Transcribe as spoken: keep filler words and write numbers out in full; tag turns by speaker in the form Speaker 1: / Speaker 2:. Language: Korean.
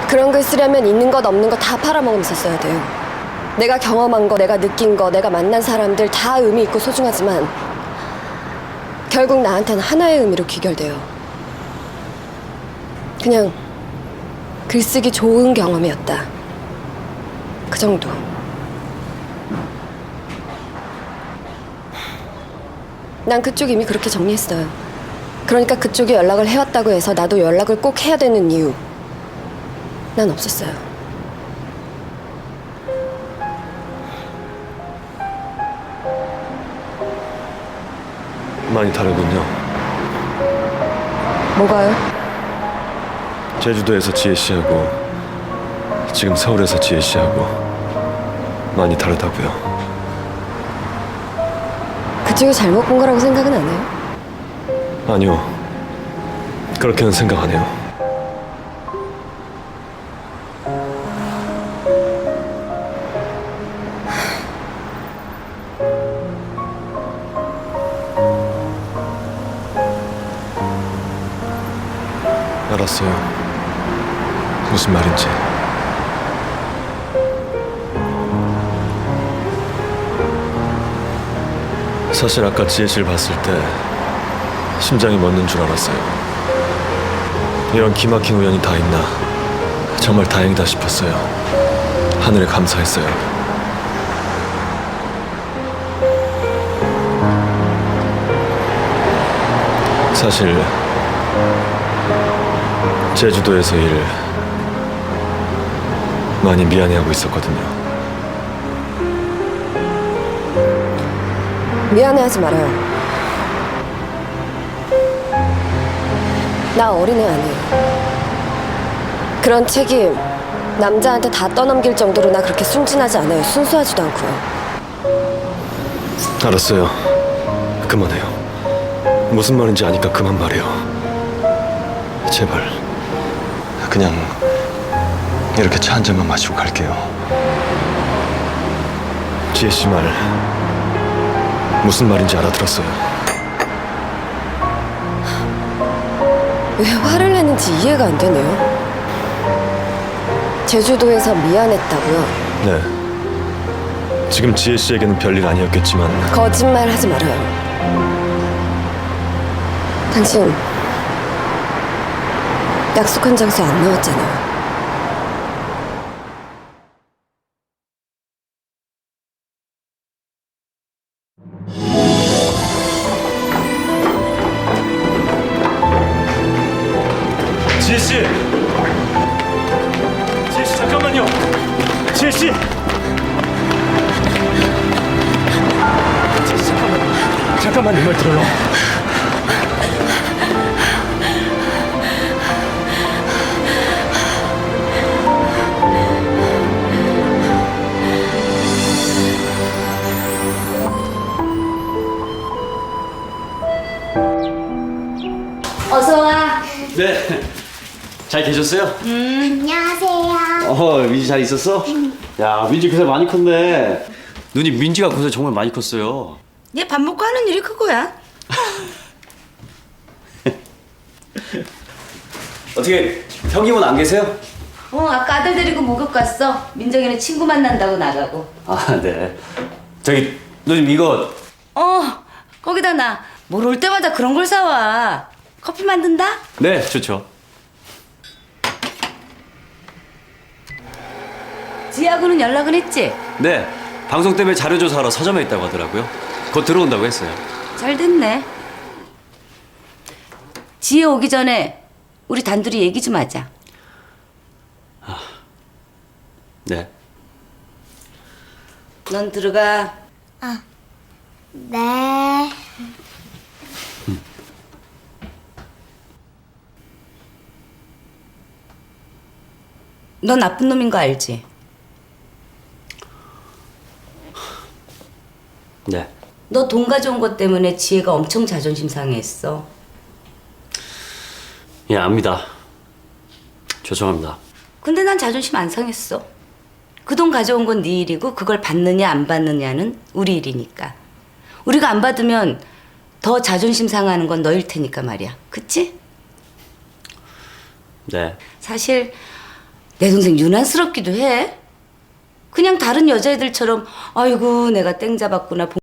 Speaker 1: 그런 글 쓰려면 있는 것 없는 것 다 팔아먹으면서 써야 돼요. 내가 경험한 거, 내가 느낀 거, 내가 만난 사람들 다 의미 있고 소중하지만 결국 나한테는 하나의 의미로 귀결돼요. 그냥 글쓰기 좋은 경험이었다. 그 정도. 난 그쪽 이미 그렇게 정리했어요. 그러니까 그쪽이 연락을 해왔다고 해서 나도 연락을 꼭 해야 되는 이유 난 없었어요.
Speaker 2: 많이 다르군요.
Speaker 1: 뭐가요?
Speaker 2: 제주도에서 지혜 씨하고 지금 서울에서 지혜 씨하고 많이 다르다고요.
Speaker 1: 그쪽이 잘못 본 거라고 생각은 안 해요?
Speaker 2: 아니요. 그렇게는 생각 안 해요. 알았어요. 무슨 말인지. 사실 아까 지혜 씨를 봤을 때 심장이 멎는 줄 알았어요. 이런 기막힌 우연이 다 있나. 정말 다행이다 싶었어요. 하늘에 감사했어요. 사실 제주도에서 일 많이 미안해하고 있었거든요.
Speaker 1: 미안해하지 말아요. 나 어린애 아니에요. 그런 책임 남자한테 다 떠넘길 정도로 나 그렇게 순진하지 않아요. 순수하지도 않고요.
Speaker 2: 알았어요. 그만해요. 무슨 말인지 아니까 그만 말해요. 제발. 그냥 이렇게 차 한 잔만 마시고 갈게요. 지혜 씨 말 무슨 말인지 알아들었어요.
Speaker 1: 왜 화를 내는지 이해가 안 되네요. 제주도에서 미안했다고요?
Speaker 2: 네. 지금 지혜 씨에게는 별일 아니었겠지만
Speaker 1: 거짓말 하지 말아요. 당신 약속한 장소 안 나왔잖아요.
Speaker 2: 지혜 씨! 지혜 씨 잠깐만요. 지혜 씨! 지혜 씨 잠깐만. 잠깐만 내 말 들어요.
Speaker 3: 어서 와.
Speaker 4: 네. 잘 계셨어요?
Speaker 3: 음, 안녕하세요.
Speaker 4: 어, 민지 잘 있었어? 야, 민지 그새 많이 컸네. 누님, 민지가 그새 정말 많이 컸어요.
Speaker 3: 얘 밥 먹고 하는 일이 그거야.
Speaker 4: 어떻게 형님은 안 계세요?
Speaker 3: 어, 아까 아들 데리고 목욕 갔어. 민정이는 친구 만난다고 나가고.
Speaker 4: 아, 네. 저기 누님 이거
Speaker 3: 어, 거기다 나 뭘 올 때마다 그런 걸 사와. 커피 만든다?
Speaker 4: 네, 좋죠.
Speaker 3: 지하고는 연락은 했지?
Speaker 4: 네. 방송 때문에 자료 조사하러 서점에 있다고 하더라고요. 곧 들어온다고 했어요.
Speaker 3: 잘 됐네. 지혜 오기 전에 우리 단둘이 얘기 좀 하자.
Speaker 4: 네.
Speaker 3: 넌 들어가.
Speaker 5: 네.
Speaker 3: 넌 나쁜 놈인 거 알지?
Speaker 4: 네.
Speaker 3: 너 돈 가져온 것 때문에 지혜가 엄청 자존심 상해했어.
Speaker 4: 예, 압니다. 죄송합니다.
Speaker 3: 근데 난 자존심 안 상했어. 그 돈 가져온 건 네 일이고 그걸 받느냐 안 받느냐는 우리 일이니까. 우리가 안 받으면 더 자존심 상하는 건 너일 테니까 말이야. 그치?
Speaker 4: 네.
Speaker 3: 사실 내 동생 유난스럽기도 해. 그냥 다른 여자애들처럼 아이고 내가 땡 잡았구나.